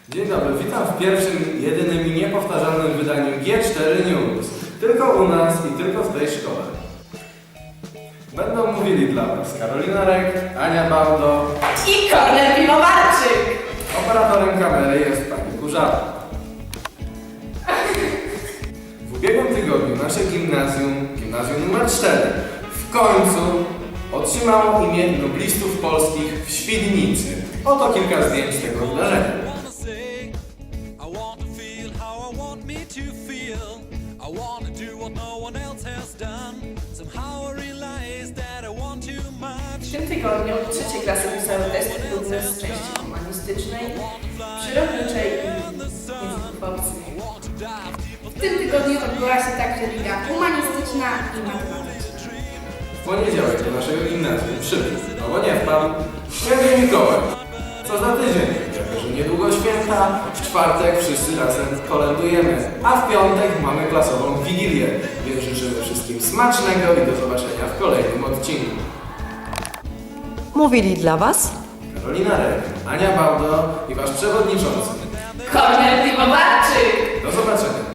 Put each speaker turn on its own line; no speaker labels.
Dzień dobry, witam w pierwszym, jedynym i niepowtarzalnym wydaniu G4 News. Tylko u nas i tylko w tej szkole. Będą mówili dla Was Karolina Rek, Ania Bałdo
i Kornel Piwowarczyk.
Operatorem kamery jest pani Kurzawa. W ubiegłym tygodniu nasze gimnazjum numer 4, w końcu otrzymało imię noblistów polskich w Świdnicy. Oto kilka zdjęć tego wydarzenia.
W tym tygodniu trzecie klasy pisały testy próbne z części humanistycznej, przyrodniczej i języków obcych.
W tym tygodniu odbyła się także liga humanistyczna i matematyczna.
W poniedziałek do naszego gimnazjum przybył, no bo nie wpadł, Święty Mikołaj. Co za tydzień, jako że niedługo święta, w czwartek wszyscy razem kolędujemy, a w piątek mamy klasową wigilię, więc życzymy wszystkim smacznego i do zobaczenia w kolejnym odcinku.
Mówili dla Was
Karolina Rek, Ania Bałdo i Wasz przewodniczący.
Kornel Piwowarczyk.
Do zobaczenia.